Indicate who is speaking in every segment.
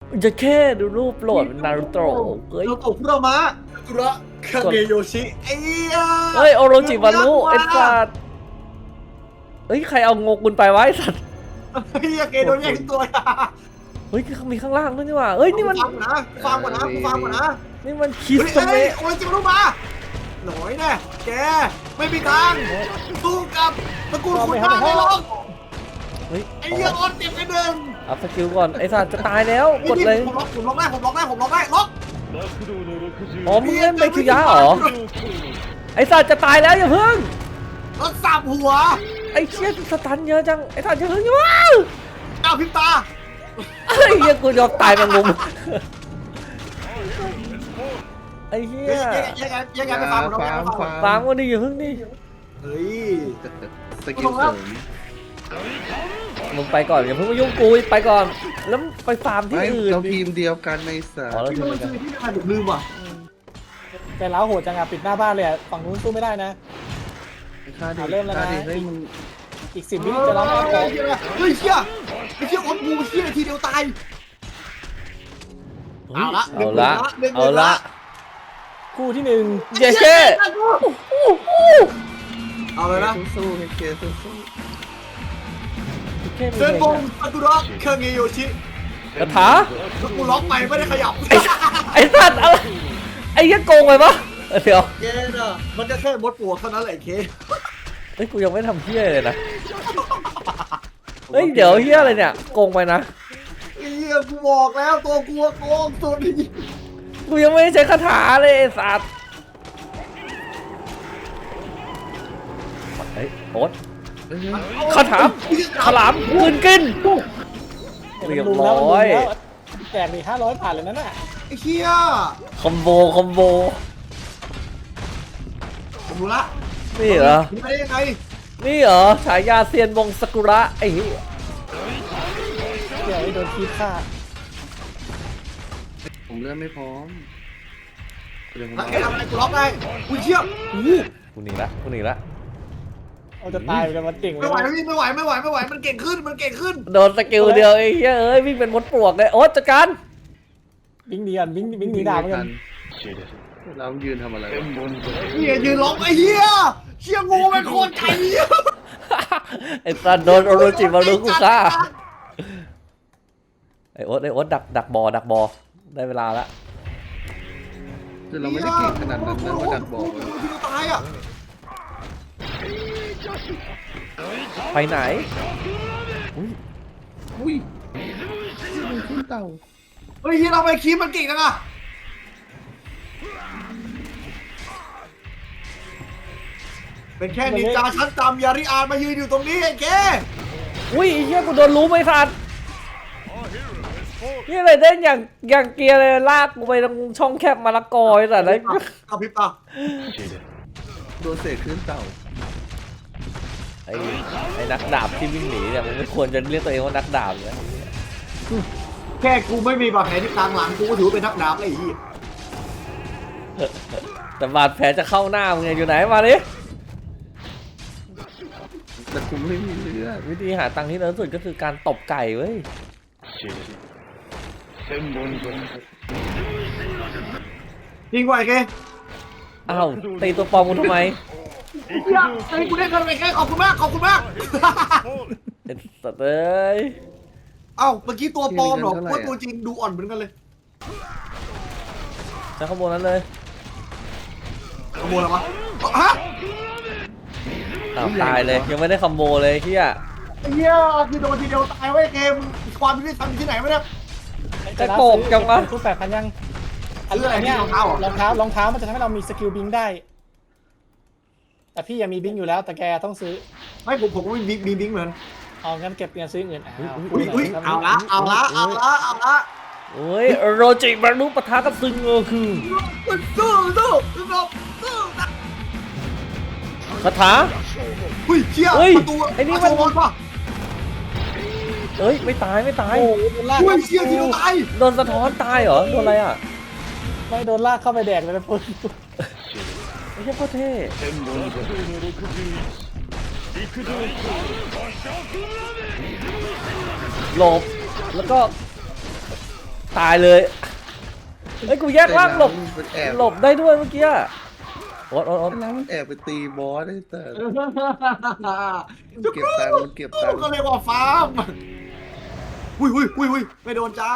Speaker 1: จะแค่ดูรูปโหลดนารูโตะเฮ้ย
Speaker 2: เราตกพุระมะกุระคาเกโยชิไอ้
Speaker 1: เฮ้ยโอโรจิมารุไอ้สัตว์เฮ้ยใครเอางกุลไปไว้สัตว์
Speaker 2: ไอ้เกโดนแย่งตัว
Speaker 1: เฮ้ยมีข้างล่างด้วยนี่หว่าเฮ้ยนี่มัน
Speaker 2: ฟังก่อนนะฟังก่อนนะ
Speaker 1: นี่มันคิส
Speaker 2: เฮ้ย
Speaker 1: เมะ
Speaker 2: โอ้ยจิรู้มาหน่อยแน่แกไม่มีทางสู้กับตระกูลคุณได้ไม่หรอก
Speaker 1: เฮ้ย
Speaker 2: ไอ้เหี้ยออนเจ็บไปหนึ่ง
Speaker 1: อัพสกิลก่อนไอ้สัตว์จะตายแล้วกดเลย
Speaker 2: ผมล็อกได้ล็อก
Speaker 1: อ๋อมึงเล่นไมคิยะเหรอไอ้สัตว์จะตายแล้วอย่าเพิ่ง
Speaker 2: ล็อกสับหัว
Speaker 1: ไอ้เชี่ยสตันเยอะจังไอ้สัตว์อย่าเพิ่งว้าว
Speaker 2: อ้าวพิมตา
Speaker 1: ไอ้เหี้ยกูยอมตายแมงมุมไอ้เหี้ย
Speaker 2: ยังไงไปฟังผม
Speaker 1: ฟางวันนี้อย่าเพิ่งนี่
Speaker 2: เฮ้ย
Speaker 3: สกิลเสริม
Speaker 1: มึงไปก่อนอย่าเพิ่งมายุ่งกูไปก่อนแล้วไปฟาร์มที่
Speaker 3: ไม่
Speaker 1: อื่น
Speaker 3: เรา
Speaker 1: ดิ
Speaker 3: ทีมเดียวกันในสา
Speaker 1: อ๋อแล้ว
Speaker 2: ที่
Speaker 1: ทีม
Speaker 2: มัน
Speaker 1: กัน
Speaker 2: คือที่ทำไมผมลืมอ่ะ
Speaker 4: แต่แล้วโหดจังอะปิดหน้าบ้านเลยอะฝั่งนู้นสู้ไม่ได้นะ
Speaker 3: ค่าดี
Speaker 4: เริ่มแล้วนะ
Speaker 3: ค่าดีให้มึง
Speaker 4: อีก10 วิจะร้องแล้ว
Speaker 2: เฮ้ยเชี่ยไอ้เชี่ยอดงูเชี่ยทีเดียวตาย เอาละ
Speaker 1: เอาละ
Speaker 4: คู่ที่
Speaker 1: เย้เช่
Speaker 2: เอาเลยนะ
Speaker 3: สู้ๆให้เคสู้
Speaker 2: เซนบงซากุระเคงเงโยชิ
Speaker 1: กระถา
Speaker 2: แล้วกูล็อกไปไม่ได้ขยับ
Speaker 1: ไอ้สัตว์อะไรไอ้เหี้ยโกงไปปะเดี๋ยว
Speaker 2: เย้น่ะมันจะแค่มดปวกเท่านั้นแหละเค
Speaker 1: เฮ้ยกูยังไม่ทำเหี้ยเลยนะเฮ้ยเดี๋ยวเหี้ยอะไรเนี่ยโกงไปนะ
Speaker 2: ไอ้เหี้ยกูบอกแล้วตัวกูโกงสุด
Speaker 1: กูยังไม่ได้ใช้คาถาเลยไอ้สัตว์เฮ้ยโอ๊ตคาถาฉลามคืนกิน
Speaker 4: 1
Speaker 1: เรียบร้อย
Speaker 4: แจกไป500ผ่านเลยนั่นน่ะ
Speaker 2: ไอ้เหี้ย
Speaker 1: คอมโบ
Speaker 2: ผมรู้ละ
Speaker 1: นี่เหรอ
Speaker 2: นี่ไปได้ยังไง
Speaker 1: นี่เหรอฉายาเซียนวงซากุระไอ้เหี้ย
Speaker 4: เดี๋ยวไอ้โดนคีบฆ่า
Speaker 3: ผมเลื่อนไม่พร้อมเดี๋ยวผม
Speaker 2: แล้วแกทำอะไรกูล็อกได้กูเชี่ย
Speaker 1: กูหนีละ
Speaker 4: เอาจะตายเลยมันเก่ง
Speaker 2: ไม่ไหวแล้วพี่ไม่ไหวมันเก่งขึ้น
Speaker 1: โดนสกิลเดียวไอ้เหี้ยเอ้ยวิ่งเป็นมดปลวกเลยโอ๊ตจัดการ
Speaker 4: วิ่งหนีกันวิ่งหนีด่าเหมือนกัน
Speaker 3: เรายืนทำอะไร
Speaker 2: เหี้ยยืนล็อกไอ้เหี้ยเชี่ยงูเป็นโคตรไก่
Speaker 1: ไอ้สัตว์โดนโอโรจิมารุกูฆ่าไอ้โอ๊ตดักบอได้เวลาละ
Speaker 3: คือเราไม่ได้เก่งขนาดนั้นนะมาดักบอกเลย
Speaker 2: ที่ตายอ่ะ
Speaker 1: ไปไหน
Speaker 3: อุ้ยมันขึ้นเต่า
Speaker 2: เฮ้ยที่เราไปคีบมันเก่งจังอะเป็นแค่นินจาชั้นต่ำยาริอานมายืนอยู่ตรงนี้ไอ้แก
Speaker 1: อุ้ยไอ้เหี้ยกูโดนรู้ไหมสัตว์นี่อะไรเล่นอย่างเกียร์เลยลากกูไปตรงช่องแคบมะละกอไอ้สัตว์เลย
Speaker 2: เอาพริบตา
Speaker 3: โดนเศษขึ้นเต่า
Speaker 1: ไอ้นักดาบที่วิ่งหนีเนี่ยมันไม่ควรจะเรียกตัวเองว่านักดาบเลย
Speaker 2: แค่กูไม่มีบาดแผลที่กลางหลังกูก็ถือว่าเป็นนักดาบไอ้เหี้ย
Speaker 1: แต่บาดแผลจะเข้าหน้ามึงไงอยู่ไหนมาดิ
Speaker 3: แต่กูไม่มีเลือด
Speaker 1: วิธีหาตังค์ที่เร็วสุดก็คือการตบไก่เว้ย
Speaker 2: ยิงไหวแก
Speaker 1: อ้าวตีตัวปลอมกูทำไม
Speaker 2: เหี้ยไอ้กูได้เงินไปแค่ขอบคุณมาก
Speaker 1: ไอ้สัตว์เอ้ย
Speaker 2: เอ้าเมื่อกี้ตัวปลอมเหรอว่าตัวจริงดูอ่อนเหมือนกันเลย
Speaker 1: ใช้ข้อมูลนั้นเลย
Speaker 2: ขโมยอะไรวะฮะ
Speaker 1: อ้าวตายเลยยังไม่ได้คอมโบเลยเฮีย
Speaker 2: ไอ้เหี้ยคือโดนทีเดียวตายไว้เกมความยุติธรรมอยู่ที่ไหนวะเนี่ย
Speaker 1: จะโกกจังวะ
Speaker 4: คู่8,000ยัง
Speaker 2: ซื้ออะไรเนี่ยรองเท้าเหรอ
Speaker 4: รองเท้ามันจะทำให้เรามีสกิลบิงได้ แต่พี่ยังมีบิงอยู่แล้วแต่แกต้องซื้อ
Speaker 2: ไม่ผมก็มีบิงเหมือน
Speaker 4: เอางั้นเก็บเงินซื้อเงิน
Speaker 2: อุ้ยเอาละ
Speaker 1: โอ้ยโรจิมารุปะทะกับซึงเออคือ
Speaker 2: มันสู้นะ
Speaker 1: คาถา
Speaker 2: อุ้ยเชี่ย
Speaker 1: เฮ้ย
Speaker 2: ประตู
Speaker 1: ไอ้นี่มัน
Speaker 2: บอลป่ะ
Speaker 1: เอ้ยไม่ตาย
Speaker 4: โอ้โหโดนลาก
Speaker 2: อุ้ยเชี่ยทีเดียวตาย
Speaker 1: โดนสะท้อนตายเหรอโดนอะไรอ่ะ
Speaker 4: ไม่โดนลากเข้าไปแดกเลยนะปุ๊บ
Speaker 1: ไม่ใช่โคตรเท่หลบแล้วก็ตายเลยเฮ้ยกูแยกล่างหลบ
Speaker 3: มันแอบ
Speaker 1: หลบได้ด้วยเมื่อกี้โอ๊ต
Speaker 3: แล้วมันแอบไปตีบอสได้แต่เก็บตังค์มันเก็บตังค์
Speaker 2: ก็เรียกว่าฟาร์มอุ้ยไม่โดนจ้า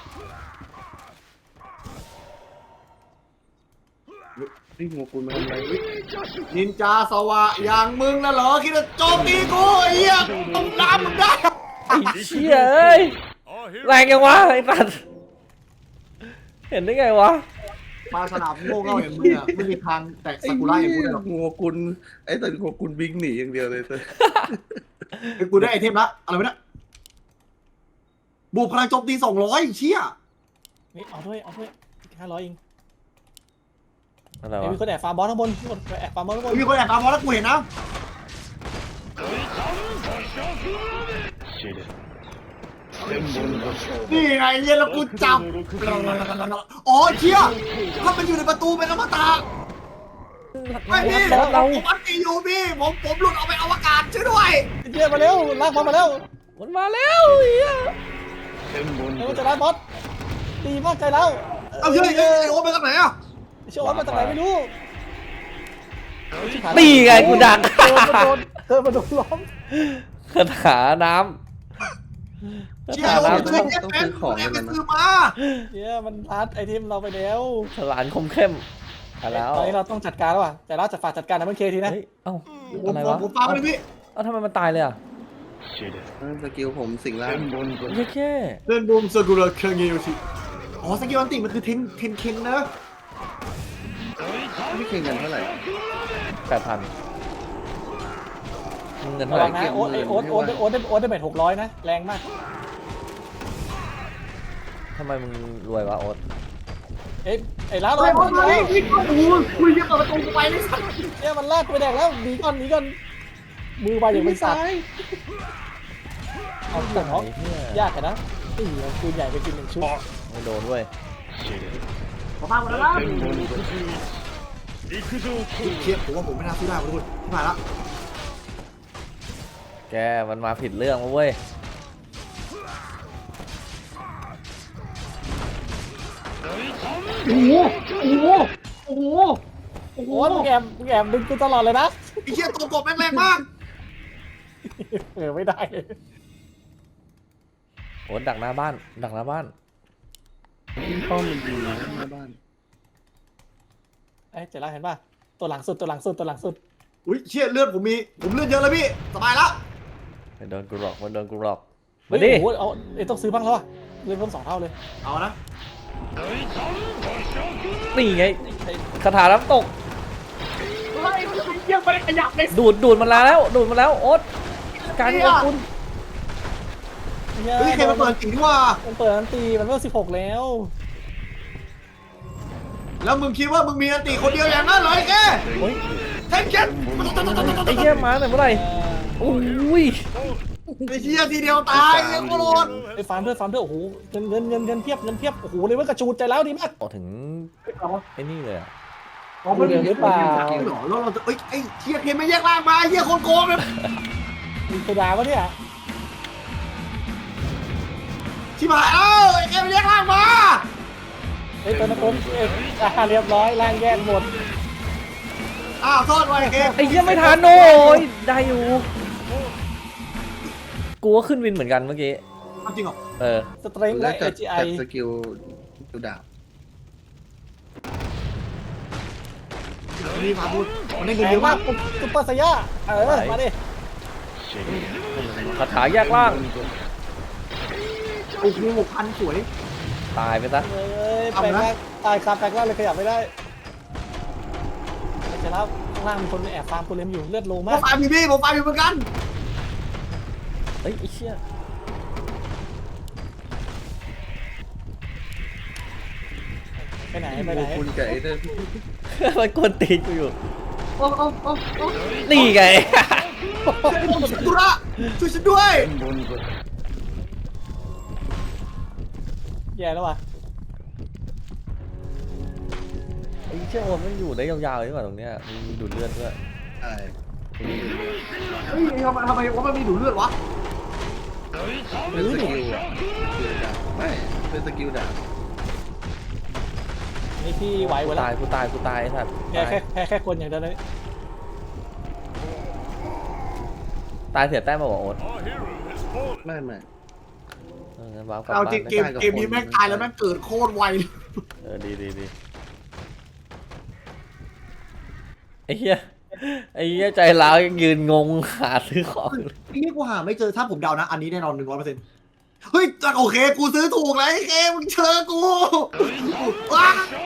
Speaker 3: นี่หัวคุณมาทำอะไร
Speaker 2: นินจาสวะอย่างมึงนะเหรอคิดจะโจมตีกูไอ้เหี้ยต้องน้ำมึงได้
Speaker 1: ไอ้เชี่ยเอ้ยแรงยังวะไอ้สัตว์เห็นได้ไงวะ
Speaker 2: มาสนามโง่เง่าอย่างมึงอ่ะไม่มีทางแตะซากุระอย่างกูได้หรอก
Speaker 3: หัวคุณไอ้แต่หัวคุณวิ่งหนีอย่างเดียวเลยแต่
Speaker 2: ไอ้กูได้ไอเทมละอะไรวะเนี่ยบวกพลังโจมตี200เชี่ย
Speaker 4: นี่เอาด้วย500เอง
Speaker 1: อะไร
Speaker 4: เดี๋ยว
Speaker 1: วะ
Speaker 4: มีคนแอบฟาร์มบอสข้างบนมีคนแอบฟาร์มบอสข้างบน
Speaker 2: มีคนแอบตามมองแล้วกูเห็นนะนี่ไงเย็นแล้วกูจับอ๋อเชี่ยถ้ามันอยู่ในประตูเป็นอมตะไม่พี่ผมอันตีอยู่พี่ผมหลุดออกไปอวกาศช่วยด้วย
Speaker 4: เยี่ยมาเร็วลากบอสมาเร็ว
Speaker 1: มันมาแล้วเฮีย
Speaker 4: เร็วจะได้บอสดีมากใจแล้ว
Speaker 2: เอาเฮ้ยโอ้ไปกันไหนอ่ะ
Speaker 4: เชื่อว่ามาจากไหนไม่รู้
Speaker 1: ตีไงกูดัก
Speaker 4: เธอมาโดนล้อม
Speaker 1: คาถาน้ำคา
Speaker 2: เชี่ย
Speaker 1: ถา
Speaker 2: โอ้
Speaker 1: น้ำ
Speaker 2: ยเป็นแอบไปซื้อมา
Speaker 4: เนี่ยมันรัดไอเทมเราไปแล้ว
Speaker 1: ฉลานคมเข้มมาแล้ว
Speaker 4: ตอนนี้เราต้องจัดการแล้วว่ะแต่เราจะฝากจัดการนะเมื่อเคทีนะ
Speaker 1: เฮ้ยเอ้าอะไรวะ
Speaker 2: ผมฟังเลยพี่
Speaker 1: เอ้าทำไมมันตายเลยอ่ะ
Speaker 3: สกิลผมสิ่งล่าง
Speaker 1: แค่
Speaker 2: เล่นบูมสกุลเครื่องยิวสิอ๋อสกิลอันติมันคือเทนนะ
Speaker 3: ไม่เคยเงินเท่าไหร่
Speaker 1: 8,000มึงเงิน
Speaker 4: ระ
Speaker 1: เท่าไห
Speaker 4: วั
Speaker 1: ร่
Speaker 4: งนะโอ๊ตได้เบ็ด600นะแรงมาก
Speaker 1: ทำไมมึงรวยวะโอ๊ต
Speaker 4: ไอ้ล้าเรา
Speaker 2: โอ้ยคุยเยอะกว่าประตูกูไปเลยสัตว์
Speaker 4: เนี่ยมันลากไปแดกแล้วหนีก่อนมือไปอย่างเป็นสัตว์เอาแต่เนาะ
Speaker 1: ไอ้เหี้ย
Speaker 4: ยากกันนะเอาปืนใหญ่ไปกิน1 ชุด
Speaker 1: ไม่โดนด้วย
Speaker 2: ผมฟังหมดแล้วนะเชียผมว่าผมไม่น่าสู้ได้ทุกคนที่ผ่านละ
Speaker 1: แกมันมาผิดเรื่องมาเว้ย
Speaker 4: โอ้มึงแอบดึงกูตลอดเลยนะ
Speaker 2: ไอ้เชี่ยตัวกบแรงมาก
Speaker 4: ไม่ได้
Speaker 1: โอ๊ตดักหน้าบ้านดักหน้าบ้าน
Speaker 3: ป้อมมันดีนะหน้าบ้าน
Speaker 4: เจ๋งแล้วเห็นป่ะตัวหลังสุด
Speaker 2: อุ้ยเชี่ยเลือดผมเลือดเยอะแล้วพี่สบายแล้ว
Speaker 1: ไม่โดนกูหรอกมันโดนกูหรอก
Speaker 4: เฮ้
Speaker 1: มาย ดิ
Speaker 4: โอ้โหเอาต้องซื้อบ้างแล้วอ่ะเงินเพิ่ม2 เท่าเลย
Speaker 2: เอานะ
Speaker 1: นี่ไงคาถาน้ำตก
Speaker 2: ยังไม่ได้ขยับเลย
Speaker 1: ดูดมันแล้วโอ๊ตการของคุณ
Speaker 2: เฮ้ยใครมาเปิดสิ่งที่ว่า
Speaker 4: มันเปิดอันตีมันเพิ่ม16แล้ว
Speaker 2: แล้วมึงคิดว่ามึงมีอันติคนเดียวอย่างนั้นเหรอไอ้แก
Speaker 1: เฮ้ย
Speaker 2: เทนเก็ต
Speaker 1: ไอ้เหี้ยมาไหนเมื่อไหร่โอ้ย
Speaker 2: ไอ้เชี่ยทีเดียวตายไอ้โคโรน
Speaker 4: ไปฟาร์มด้วยโอ้โหเงินเพียบโอ้โหเลยว่ากระจูดใจแล้วดีมาก
Speaker 1: ออกถึงไอ้นี่เลยอะ
Speaker 2: อ๋อมันมีหรือเปล่าแล้วเราจะไอ้เชี่ยเคนไม่แยกล่างมาเชี่ยคนโกงเลย
Speaker 4: มีกระดาวะเนี่ย
Speaker 2: ชิบหายไอ้เคนไม่แยกล่างมา
Speaker 4: ตัวนักต้นเรียบร้อยล่างแยกหมด
Speaker 2: อ้าวโทษไว้ไอ้เคน
Speaker 1: ไอ้เหี้ยไม่ทันโอ้ยได้อยู่กูก็ขึ้นวินเหมือนกันเมื่อกี้
Speaker 2: จริงเหรอ
Speaker 4: สเตรนท์และ
Speaker 3: จัด
Speaker 4: AGI
Speaker 3: สกิลดูดาบ
Speaker 2: นี่มาพูดมันได้เงิน
Speaker 4: แร
Speaker 2: เย
Speaker 4: ง
Speaker 2: อะ
Speaker 4: มาม
Speaker 2: าก ก
Speaker 4: ซุปเปอร์ไซย่ามาดิ
Speaker 1: คาถาแยกล่าง
Speaker 2: โอ้โห6,000สวย
Speaker 1: ตายไปซะ
Speaker 4: แปลงร่างตายคาแปลงร่างเลยขยับไม่ได้แต่แล้วข้างล่างมีคนแอบฟาร์มโกเลมอยู่เลือดโล
Speaker 2: ผม
Speaker 4: มาก
Speaker 2: ฟาร์มพี่ผมฟาร์มอยู่เหมือนกัน
Speaker 1: เฮ้ยไอ้เชี่ย
Speaker 4: ไปไหน
Speaker 3: หัวคุณกับไอ้เนี่ย
Speaker 1: มันกวนตีนกูอยู่
Speaker 2: โอ้
Speaker 1: นี่ไง
Speaker 2: ผมตุระช่วยฉันด้วย
Speaker 4: แย่แล้วว่ะ
Speaker 1: ไอ้เชี่ยโอนมันอยู่ได้ยาวๆใช่ป่ะตรงเนี้ยมีดูดเลือดด้วย
Speaker 3: ใช่
Speaker 2: เฮ้ยทำไมว่ามันมีดูดเลือดวะ
Speaker 3: เป็นสกิลอ่ะดูดาบไม่เป็นสกิลดาบ
Speaker 4: นี่พี่ไหวหมดแล้ว
Speaker 1: กูตายไอ้สัตว์
Speaker 4: แค่คนอย่างเดียวเลย
Speaker 1: ตายเสียแต้มมาบอกโอ๊ต
Speaker 3: ไม่
Speaker 1: งั้นว้าวกลับ
Speaker 2: เอา
Speaker 1: บ้า
Speaker 2: จริง
Speaker 1: น
Speaker 2: เกมนี้แม่งตายแล้วแม่งเกิดโคตรไวเลย
Speaker 1: ดีไอ้เหี้ยใจร้าวยังยืนงงหาซื้อของอยู่เลย
Speaker 2: นี่กูหาไม่เจอถ้าผมเดานะ อันนี้แน่นอน100%เฮ้ยโอเคกูซื้อถูกแล้วไอ้เคมึงเชิญกูว้า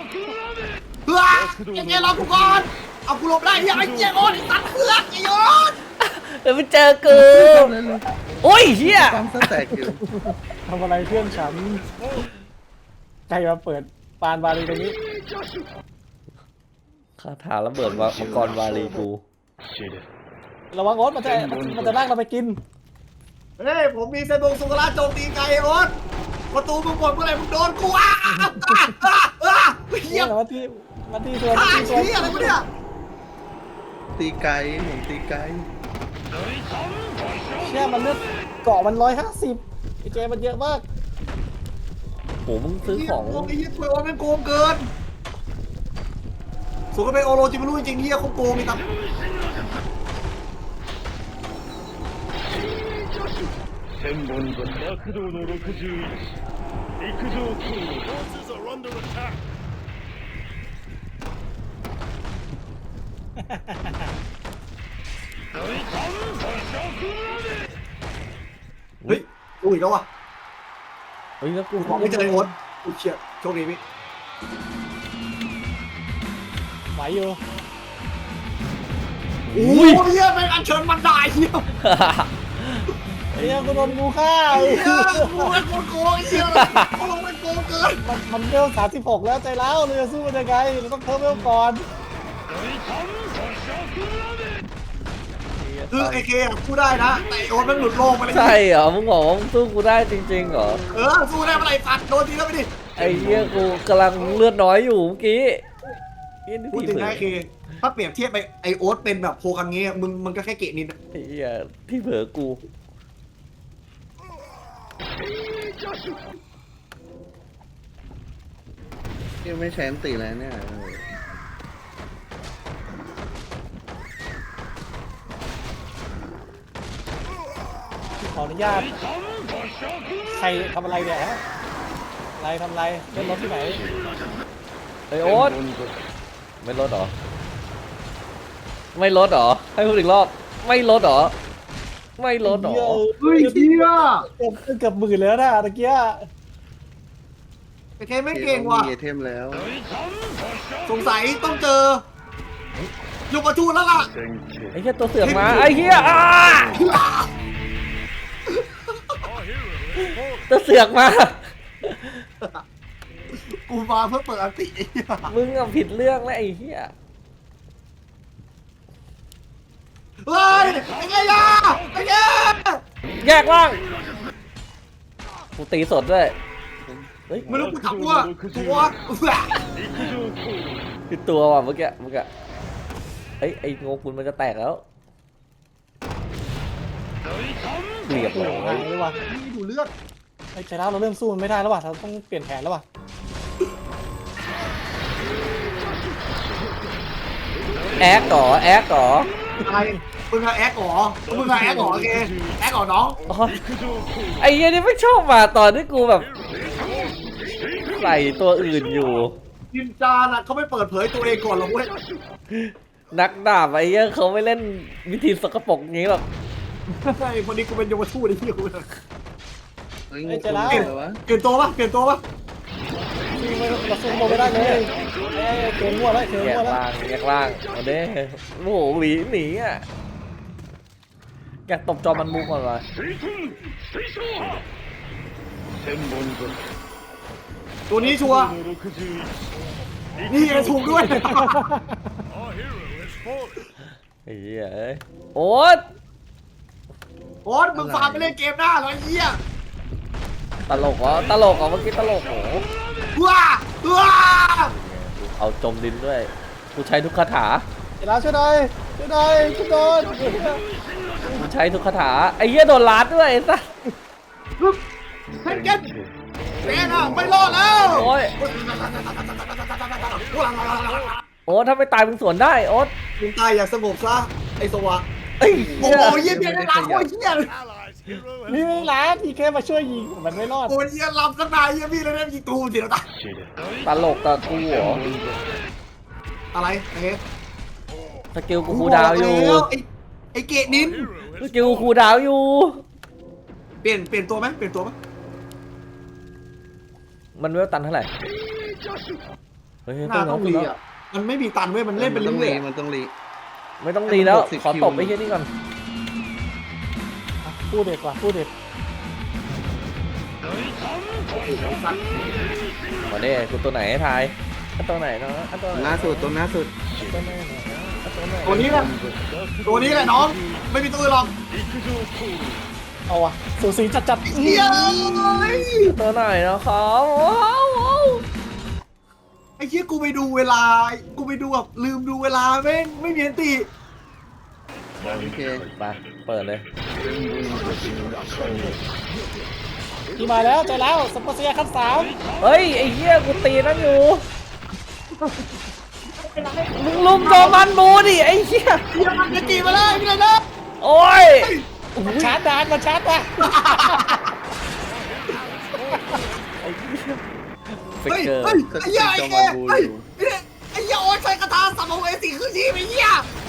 Speaker 2: ไอ้เกรอกูก่อนเอากูหลบได้ยังไอ้เจ๊โอ๊ตไอ้สัตว์เพื่อนไอ้โอ๊ต
Speaker 1: เดี๋ยวไปเจอกูโอ้ยเหี้ย
Speaker 3: ปั๊มสแต็กอยู่
Speaker 4: ทำอะไรเพื่อนฉันใครมาเปิดปานบาลีตรงนี้
Speaker 1: คาถาระเบิดมังกรวาลีกู
Speaker 4: ระวังโอ๊ตมันจะลากเราไปกิน
Speaker 2: เฮ้ยผมมีเซนงสุกราโจมตีไกลโอ๊ตประตูมึงหมดเมื่อไหร่มึงโดนกูเฮีย
Speaker 4: มาที่ส่วน
Speaker 2: ฆ่า
Speaker 4: ที่ส่วน
Speaker 2: เฮียอะไรวะเนี่ย
Speaker 3: ตีไกลผมตีไกล
Speaker 4: เชี่ยมันเลือดเกาะมัน150ไอ้เจมันเยอะมาก
Speaker 1: โหมึงซื้อของ
Speaker 2: ไอ้เฮียถวยโอ๊ตแม่งโกงเกินสุกเป็นโอโรจิไม่รู้จริงๆเฮียเขาโกงไอ้ตับ
Speaker 5: 千本木躍動の61陸上空母 Forces are under attack
Speaker 2: เฮ้ยดูอีกแล้วว่ะ
Speaker 1: เฮ้ยแล้วกู
Speaker 2: กูขอไม่เจอไอ้โอ๊ตกูเชียโชคดีพี่
Speaker 4: ไหวอยู่
Speaker 2: โอ้ยเฮียเป็นอัญเชิญมันได้เฮีย
Speaker 4: เฮียกูโดนงูฆ่า
Speaker 2: เฮียกูเป็นคนโกงเฮียกูเป็นโกงเกิน
Speaker 4: มันเวล36แล้วใจร้าวเราจะสู้มันยังไงเราต้องเพิ่มเวลก่อน
Speaker 2: คือไอเคอะสู้ได้นะแต่ไอ้โอ๊ตมันหลุดโลกไปเลย
Speaker 1: ใช่เหรอมึงบอกว่ามึงสู้กูได้จริงๆเหรอ
Speaker 2: สู้ได้เมื่อไหร่สัตว์โดนทีแล้วไปดิ
Speaker 1: ไอ้เหี้ยกูกำลังเลือดน้อยอยู่เมื่อกี้เหี้ยนี่
Speaker 2: พูด
Speaker 1: ที่
Speaker 2: ถึง
Speaker 1: เผล
Speaker 2: นะ
Speaker 1: อ
Speaker 2: ไอเคถ้าเปรียบเทียบไปไอโอ๊ตเป็นแบบโพคังเงี้ยมึงก็แค่เกะนิด
Speaker 1: ไอ้เหี้ยที่เผลอกู
Speaker 3: ยังไม่ใช้อันตีแล้วเนี่ย
Speaker 4: ขออนุญาตใครทำอะไรเนี่ยฮะอะไรทำอะไรเล่นรถที่ไหน
Speaker 1: ไอ้โอ๊ตไม่ลดเหรอไม่ลดเหรอให้พูดอีกรอบไม่ลดเหรอไม่ลดเหรอ
Speaker 2: เฮ้ยเฮีย
Speaker 4: เกือบหมื่นแล้วนะตะเกีย
Speaker 2: ไอเคไม่เก่งว่ะ
Speaker 3: มีไอเทมแล้ว
Speaker 2: สงสัยต้องเจอลูกประทูแล้วล่ะ
Speaker 1: ไอ้เหี้ยตัวเสือกมาไอ้เหี้ยตัวเสือกมา
Speaker 2: กูมาเพื่อเปิดอันติไอ้เหี้ย
Speaker 1: มึงอะผิดเรื่องแล้วไอ้เหี้ย
Speaker 2: เฮ้ยไอ้เงี้ยไอ้เงี้ย
Speaker 1: แยกล่างกูตีสดด้วยเฮ้ย
Speaker 2: ไม่รู้กูทับตัว
Speaker 1: ผิดตัวว่ะเมื่อกี้เฮ้ยไอ้โงกุลมันจะแตกแล้วเรียบ
Speaker 4: โอ้
Speaker 1: ร้
Speaker 4: โห
Speaker 1: อ
Speaker 4: หาย ยเลยว่ะ
Speaker 2: นี่ดูเลือด
Speaker 4: ไอ้ใจร้าวเราเริ่มสู้มันไม่ได้แล้วว่ะเราต้องเปลี่ยนแผนแล้วว่ะ
Speaker 1: แอคก่อ
Speaker 2: อะไรมึงอะแอคหรอมึงอะแอคหรอโอเคแอคหรอน้อง
Speaker 1: อ๋อไอ้เหี้ยนี่ไม่ชอบมาตอนที่กูแบบใส่ตัวอื่นอยู่
Speaker 2: นินจาน่ะเขาไม่เปิดเผยตัวเองก่อนหรอกเว้ย
Speaker 1: นักดาบไอ้เหี้ยเขาไม่เล่นวิธีสกปรกงี้หรอก
Speaker 2: ไอ้คนนี้กูเป็นยมทูตไอ้เหี้ยกู
Speaker 3: เฮ้ยงูตัวนี้เลยวะ
Speaker 2: เปลี่ยนตัวปะเปลี่ยนตัวปะ
Speaker 4: เราสู้มันไม่ได้เลยเกมมั่วแล้วเกม
Speaker 1: แยก
Speaker 4: มั่วแล้ว
Speaker 1: ล่างเอาเด้โอ้โหหนีอ่ะอยากตบจอมันมูก่อนวะ
Speaker 5: 千本木
Speaker 2: ตัวนี้ชัวร์
Speaker 5: の61
Speaker 2: นี่ไงถูกด้วย
Speaker 5: Our hero has fallen
Speaker 1: ไอ้เหี้ยเอ้ยโอ๊ต
Speaker 2: โอ๊ตมึงฟาร์มไปเล่นเกมหน้าเหรอไอ้เหี้ย
Speaker 1: ตลกเหรอเมื่อกี้ตลกโห
Speaker 2: ว้า
Speaker 1: เอาจมดินด้วยกูใช้ทุกคาถา
Speaker 4: ใจร้าวช่วยหน่อยช่วยโดน
Speaker 1: กูใช้ทุกคาถาไอ้เหี้ยโดนลัดด้วยไอ้สัส
Speaker 2: เฮ้ยเก็ตแม่น่ะไม่รอดแล้ว
Speaker 1: โอ้ยโอ๊ตถ้าไม่ตายมึงสวนได้โอ๊ต
Speaker 2: มึงตายอย่างสงบซะไอ้สวะ
Speaker 1: เอ้ย
Speaker 2: โอ้โหเยี่ยมเลยนะโคตรเยี่ยม
Speaker 4: นี่ไม่ร้านพี่แค่มาช่วยยิงมันไม่รอด
Speaker 2: โอ้ยเยี่ยมลำสักนายเยี่ยมพี่เลยนะยิงตูสิเราตาย
Speaker 1: ตลกกับกูเหรอ
Speaker 2: อะไรเอ๊ะ
Speaker 1: สกิลกูคูลดาวน์อยู่
Speaker 2: ไอ้เกะนิน
Speaker 1: สกิลกูคูลดาวน์อยู่
Speaker 2: เปลี่ยนตัวไหมเปลี่ยนตัวไหม
Speaker 1: มันเวลตันเท่าไหร่เฮ้ย
Speaker 2: หน้าต้องรีอ่ะมันไม่มีตันเว้ยมันเล่นเป็นเรื่อย
Speaker 3: มันต้องรี
Speaker 1: ไม่ต้องดีแล้ว
Speaker 3: 60
Speaker 1: ขอตบไอ้เหี้ยนี่ก่อน
Speaker 4: พูดเด็ดกว่าพูดเด็ด
Speaker 1: มาเด้กูตัวไหนให้ทายตัวไหนเนาะตัวไหน
Speaker 3: ล่าสุดตัวล่าสุด
Speaker 1: ตัวไหนเนาะตัวไหน
Speaker 2: ตัวนี้แหละตัวนี้แหละน้องไม่มีตัวอื่นหรอก
Speaker 4: เอาวะสูสีจัด
Speaker 2: เฮีย
Speaker 1: ตัวไหนนะครับว้าว
Speaker 2: ไอ้เฮียกูไปดูเวลากูไปดูแบบลืมดูเวลาแม่งไม่มีอันติ
Speaker 3: โอเค
Speaker 1: ไปเปิดเลย
Speaker 4: พี่มาแล้วเจอแล้วสปอร์เซียขั้น3
Speaker 1: เฮ้ยไอ้เหี้ยกูตีนั่นอยู่มึงลุมโจมันบูดิไอ้เหี้ย
Speaker 2: เฮียมันจะจีมาเลยพี่เลยนะ
Speaker 1: โอ้ย
Speaker 4: มันชาร์จดานมันชาร์จดาน
Speaker 1: ฟิก
Speaker 2: เฮ้ย
Speaker 1: เกอร์
Speaker 2: เฮ้ยไอ้เหี้ยไอ้เกเฮ้ยไอ้เหี้ยโอ๊ตใช้คาถาสัมภเวสีคือชีพไอ้เหี้ย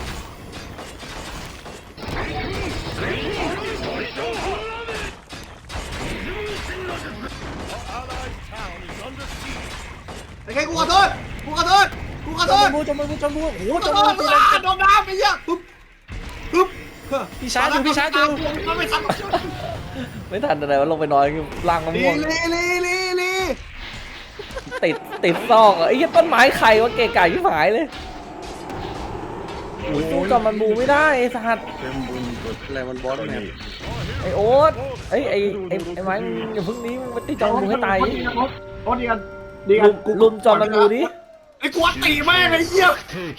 Speaker 2: ไอ้แค่กูขอโทษกูขอโทษกูขอโทษ
Speaker 4: จมบูโอ้โห
Speaker 2: กูข
Speaker 4: จ
Speaker 2: อ
Speaker 4: ม
Speaker 2: โท
Speaker 4: บู
Speaker 2: ษ
Speaker 4: ตี
Speaker 2: โดนน้ำไอ้เหี้ยปึ๊บปึ๊บ
Speaker 4: พี่ชาร์จอยู่พี่ชาร์จอยู่
Speaker 2: มันไม่ทัน
Speaker 1: ไม่ทันอะไรวะลงไปนอนล่างมะ
Speaker 2: ลี
Speaker 1: ม่วง
Speaker 2: ลี
Speaker 1: ติดซอกอ่ะไอ้เหี้ยต้นไม้ไข่วะเกะกะยิ่งหายเลยโอ้ยสู้กับมันบูไม่ได้ไอ้สัตว์
Speaker 3: อะไรมันบอสแมป
Speaker 1: ไอ้โอ๊ตไอ้ไม้มึงอย่าเพิ่งนี้มึงไปตีจอมบูให้ตาย
Speaker 2: โอ๊ตดีกัน
Speaker 1: ลุมจอมมันบูดิ
Speaker 2: ไอ้กวนตีแม่งไอ้เหี้ย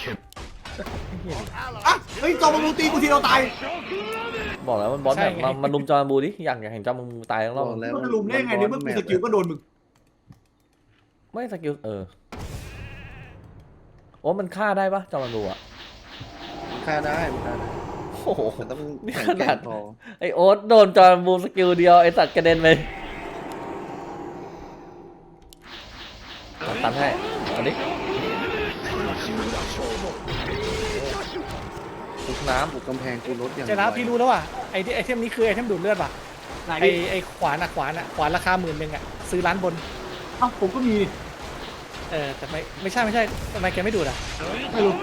Speaker 2: อ่ะเฮ้ยจอมมันตีกูทีเราตาย
Speaker 1: บอกแล้วมันบอสแบบมันลุมจอมบูดิอยากเห็นจอมบูตายทั้งรอบ
Speaker 3: บอกแล้ว
Speaker 2: มันจะลุมได้ไงเนี่ยเมื่อกูสกิลก็โดนมึง
Speaker 1: ไม่สกิลโอ้มันฆ่าได้ปะจอมมันบูอ่ะ
Speaker 3: ฆ่าได้มันฆ่าได้
Speaker 1: โอ้โห
Speaker 3: มันต้อง
Speaker 1: นี่
Speaker 3: แข็ง
Speaker 1: ข
Speaker 3: แก
Speaker 1: นา
Speaker 3: ร่
Speaker 1: ด
Speaker 3: งพอ
Speaker 1: ไอโอ๊ตโดนจอมบูสกิลเดียวไอสัตว์กระเด็นไปตันให้เอาดิทุกน้ำ
Speaker 3: บุกกำแพงกูลดอย่าง
Speaker 4: เจอแล้วพี่รู้แล้วว่ะไอเทมนี้คือไอเทมดูดเลือดป่ะไอขวานขวานราคา10,000อ่ะซื้อร้านบน
Speaker 2: เอ้าผมก็มี
Speaker 4: แต่ไม่ใช่ทำไมแกไม่ดูดอ่ะ
Speaker 2: ไม่รู้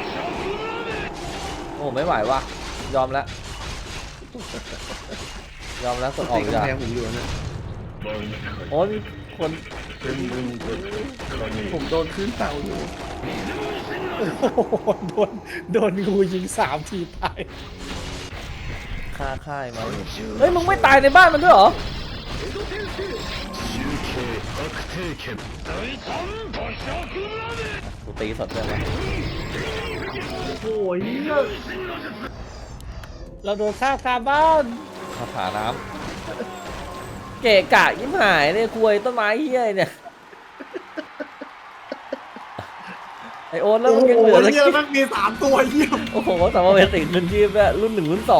Speaker 1: โอ้ไม่ไหวว่ะยอมแล้วยอมแล้วกดออก
Speaker 3: ตี
Speaker 1: จาก
Speaker 3: กำแพงผมอยู่นะ
Speaker 1: โอ้ยคน
Speaker 3: ผมโดนขึ้นเต่าอยู่
Speaker 4: โดนงูยิง3 ทีตาย
Speaker 1: ฆ่าค่ายมาเฮ้ยมึงไม่ตายในบ้านมันด้วยเหรอกูตีสดเลยนะ
Speaker 2: โอ้ย
Speaker 4: เราโดนฆ่าคาบ้าน
Speaker 1: คาถาน้ำเกะกะยิ้มหายเนี่ยคุยต้นไม้เฮี้ยเนี่ยไอโอ๊ตแล้วมันยังเหลือ
Speaker 2: เหี้ยมันมี3 ตัวเหี้ย
Speaker 1: โอ้โหสามเวสิกเงินยีบอะรุ่น1รุ่น2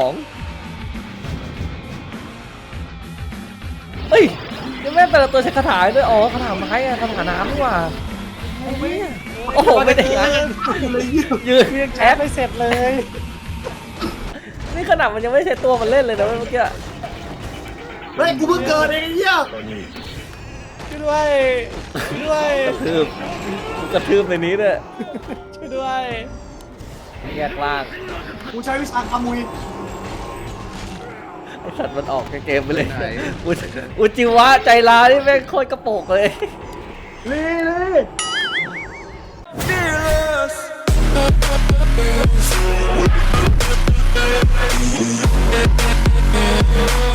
Speaker 1: เฮ้ยยังแม่แต่ละตัวใช้คาถาด้วยอ๋อคาถาไม้อะคาถาน้ำนี่หว่าไอ้เหี้ยโอ้โหไม่ได้นะ
Speaker 2: เลยเหี้ย
Speaker 1: ยืน
Speaker 4: ยัง
Speaker 1: แอ
Speaker 4: แอบ
Speaker 1: ป
Speaker 4: ไม่เสร็จเลย
Speaker 1: นี่ขนาดมันยังไม่ใช่ตัวมันเล่นเลยนะเมื่อกี้
Speaker 2: เฮ้ยกูเพิ่งเกิดเองไอ้เหี้ย
Speaker 4: ช่วยด้วยช่วยด้วย
Speaker 1: กระทืบในนี้ด้วย
Speaker 4: ช่วยด้วย
Speaker 1: แยกล่าง
Speaker 2: กูใช้วิชาขมุย
Speaker 1: ไอสัตว์มันออกเกมไปเลยอุจิวะใจร้ายนี่แม่งโคตรกระโปงเลย
Speaker 2: เลย